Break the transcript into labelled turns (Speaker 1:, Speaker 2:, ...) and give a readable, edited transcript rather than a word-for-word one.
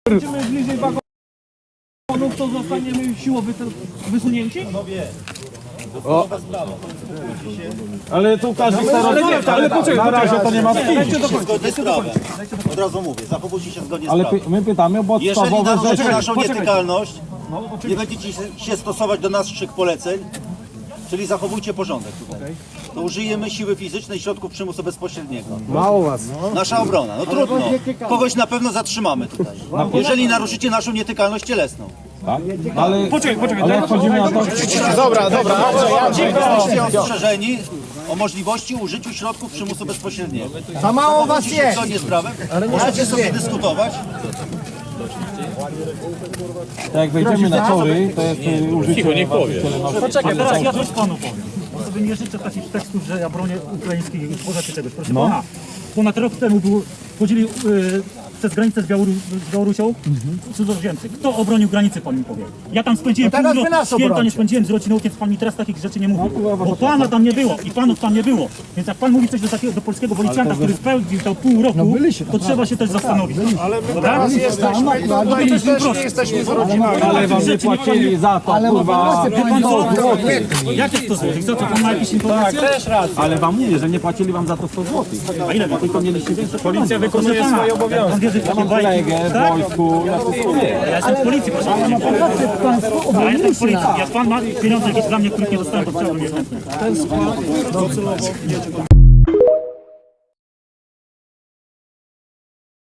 Speaker 1: Będziemy bliżej wagonów, to zostaniemy siłowo wysunięci?
Speaker 2: Ale tu każdy chce rozmawiać, ale na razie to nie ma
Speaker 3: Zgodnie z prawem. Od razu mówię, zachowujcie się zgodnie z
Speaker 2: Ale
Speaker 3: prawem.
Speaker 2: my pytamy o
Speaker 3: Jeżeli
Speaker 2: podstawowe
Speaker 3: naruszycie
Speaker 2: rzeczy.
Speaker 3: naszą nietykalność, nie będziecie się stosować do naszych poleceń, czyli zachowujcie porządek tutaj, to użyjemy siły fizycznej i środków przymusu bezpośredniego.
Speaker 4: Mało was.
Speaker 3: Nasza obrona, no trudno. Kogoś na pewno zatrzymamy tutaj, jeżeli naruszycie naszą nietykalność cielesną.
Speaker 2: Tak? Ale jak chodzimy na to...
Speaker 3: Jesteście ostrzeżeni o możliwości użyciu środków przymusu bezpośredniego.
Speaker 4: Za mało was
Speaker 3: Jesteście
Speaker 4: jest.
Speaker 3: zgodnie z prawem? Możecie sobie dyskutować.
Speaker 2: Tak jak wejdziemy na tory, to jest użycie... Cicho, nie powiem.
Speaker 1: Teraz ja coś panu powiem. Bo sobie nie życzę takich tekstów, że ja bronię ukraińskich i pożarcie czegoś. Proszę pana, ponad rok temu chodzili przez granicę z Białorusią cudzoziemcy. Kto obronił granicy, pan mi powie? Ja tam spędziłem
Speaker 4: teraz
Speaker 1: pół
Speaker 4: wy nas
Speaker 1: święta, nie
Speaker 4: obrońcie.
Speaker 1: spędziłem z rodziną, więc pan mi teraz takich rzeczy nie mówi. Bo pana tam nie było i panów tam nie było. Więc jak pan mówi coś do polskiego policjanta, który spełnił to pół roku, to trzeba się też zastanowić. Ale my teraz jesteśmy,
Speaker 4: nie jesteśmy z rodziną.
Speaker 2: Ale wam nie płacili za to, kurwa...
Speaker 1: Jakie 100 zł? Co to pan ma jakieś informacje?
Speaker 2: Ale wam mówię, że nie płacili wam za to 100 zł.
Speaker 1: A ile
Speaker 2: Tylko mieliście większe
Speaker 1: Policja wykonuje swoje obowiązki. Pan wierzy w takie
Speaker 2: Mam
Speaker 1: bajki?
Speaker 2: kolegę w wojsku, ja wszystko wiem.
Speaker 1: Ja jestem w policji, proszę pana. Ja jestem w policji. Jak pan ma pieniądze jakieś dla mnie, których nie dostałem, to chciałbym je chętnie.